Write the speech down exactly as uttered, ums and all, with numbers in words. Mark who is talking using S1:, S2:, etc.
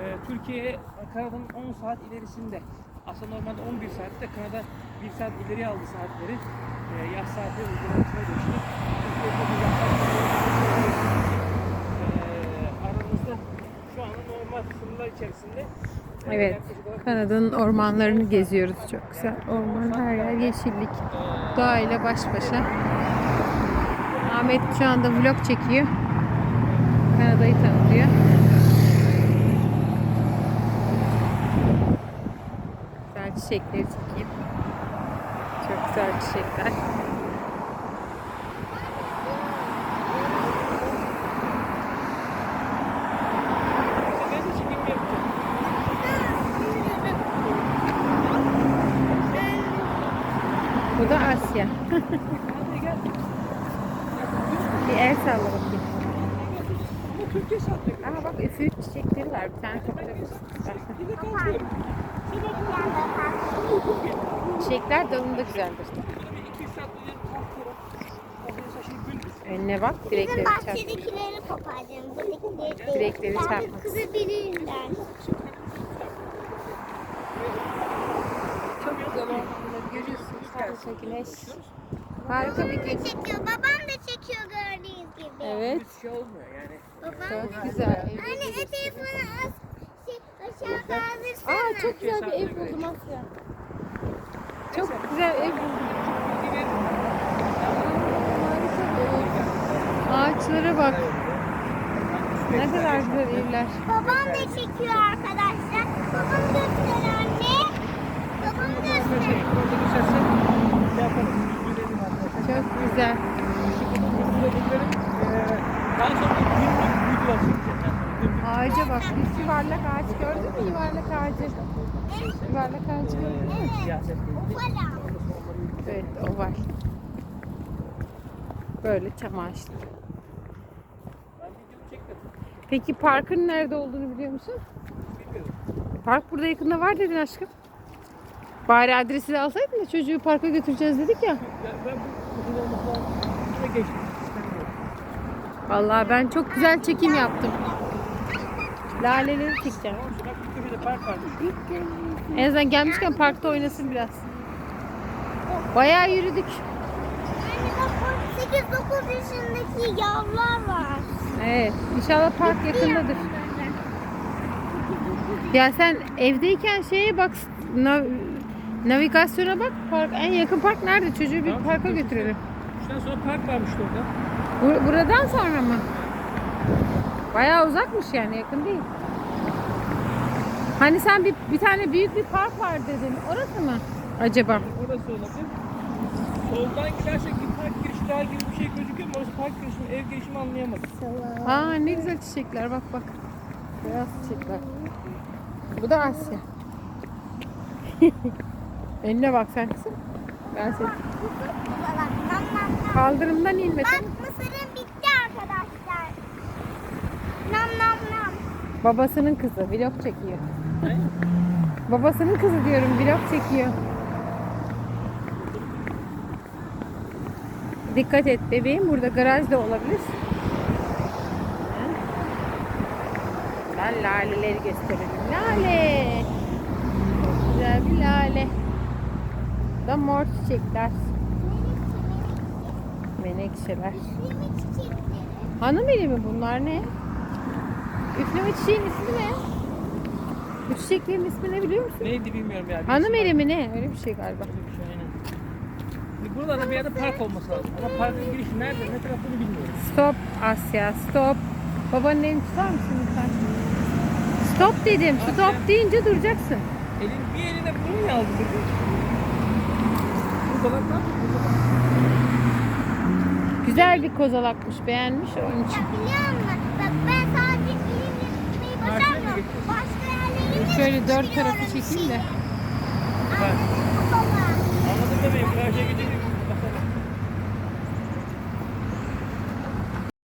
S1: e, Türkiye Kanada'nın on saat ilerisinde. Aslında normalde on bir saatte Kanada bir saat ileriye aldı saatleri. E, yaz saatleri uygulamasına geçti. Türkiye'de bu yaz saatleri e, aramızda şu anda normal sınırlar içerisinde.
S2: Evet, Kanada'nın ormanlarını geziyoruz. Çok güzel orman, her yer yeşillik. Doğayla baş başa. Ahmet şu anda vlog çekiyor. Kanada'yı tanıtıyor. Güzel çiçekleri çekeyim. Çok güzel çiçekler. Bu da Asya. Bir el salla bakayım. Ama bak üfürük çiçekleri var. Bir tane toplayabilirsin. Çiçekler dalında güzeldir. Önüne bak, direkleri çarp.
S3: Bahçedekileri koparacağım. Buradakileri
S2: Direkleri çarpmak.
S3: kızabilirler.
S2: Çok güzel ormanları görüyorsunuz. Harika güneş. Harika bir gün.
S3: Çekiyor. Babam da çekiyor gördüğünüz gibi.
S2: Evet.
S1: Bir şey olmuyor yani.
S3: Babam
S2: Çok
S3: da.
S2: güzel.
S3: Anne e telefonu az şey, aşağı kaldırsana.
S2: Aa, çok güzel bir ev buldum Asya. Çok güzel ev buldum. Ağaçlara bak. Ne kadar güzel evler.
S3: Babam da çekiyor arkadaşlar. Babam göster anne. Babam göster.
S2: Çok güzel.
S1: Daha sonra günlük videolar çekeceğim.
S2: Ağaca bak. Bir yuvarlak ağaç gördün mü? Yuvarlak ağacı. Yuvarlak ağacı gördün mü?
S1: Siyaset
S3: Ufala.
S2: Evet, o var. Böyle çam ağaçları.
S1: Ben videomu çekmedim.
S2: Peki parkın nerede olduğunu biliyor musun?
S1: Bilmiyorum.
S2: Park burada yakında var dedin aşkım. Bari adresi de alsaydın da çocuğu parka götüreceğiz dedik ya.
S1: Ya ben bu uzun olmaktan şuna geçtim. İstemiyorum.
S2: Vallahi ben çok güzel çekim yaptım. Laleleri çekeceğim.
S1: Tamam mı? Bak bir köşede park varmış.
S2: En azından gelmişken parkta oynasın biraz. Bayağı yürüdük.
S3: Anne bak sekiz dokuz yaşındaki yavrular var.
S2: Evet. İnşallah park yakındadır. Ya sen evdeyken şeye bak, nav- navigasyona bak. Park, en yakın park nerede? Çocuğu bir
S1: Tamam,
S2: parka
S1: şurada-
S2: götürelim.
S1: Şuradan sonra park varmış orada.
S2: Bur- buradan sonra mı? Bayağı uzakmış yani, yakın değil. Hani sen bir, bir tane büyük bir park var dedin. Orası mı acaba?
S1: Orası olabilir. Soldan gidersek bir park girişi daha gibi bir şey gözüküyor mu? Orası park girişi mi, ev girişi mi anlayamadım.
S2: Aa, ne güzel çiçekler, bak bak. Beyaz çiçekler. Bu da Asya. Önüne bak sen kızım. Ben seni. Kaldırımdan inme.
S3: Bak mısırım bitti arkadaşlar. Nam nam nam.
S2: Babasının kızı vlog çekiyor.
S1: Ne?
S2: Babasının kızı diyorum, vlog çekiyor. Dikkat et bebeğim, burada garaj da olabilir. Ben laleleri gösterelim. Lale. Çok güzel bir lale. Bu da mor çiçekler. Menekşeler.
S3: Üfleme çiçekleri.
S2: Hanım eli mi bunlar, ne? Üfleme çiçeğin ismi ne? Bu çiçeklerin ismi ne biliyor musun?
S1: Neydi bilmiyorum ya.
S2: Hanım eli mi ne? Öyle bir şey galiba.
S1: Öyle bir şey, aynen. Şimdi buralarda bir yerde park olması lazım. Ama parkın girişi nerede, ne tarafını bilmiyorum.
S2: Stop Asya, stop. Babanın elini tutar mısın lütfen? Stop dedim. Stop deyince duracaksın.
S1: Elin bir eline bunu mu aldın dedi? Burada bak lan.
S2: Güzel bir kozalakmış, beğenmiş onun için.
S3: Ya biliyor musun? Bak ben sadece elimle tutmayı başarmıyorum. Başka yerlerimi
S2: Şöyle dört
S3: tutuyorum.
S2: tarafı çekeyim de.
S1: Bak.
S3: Baba.
S1: Anladın bebeğim. Karşıya gidince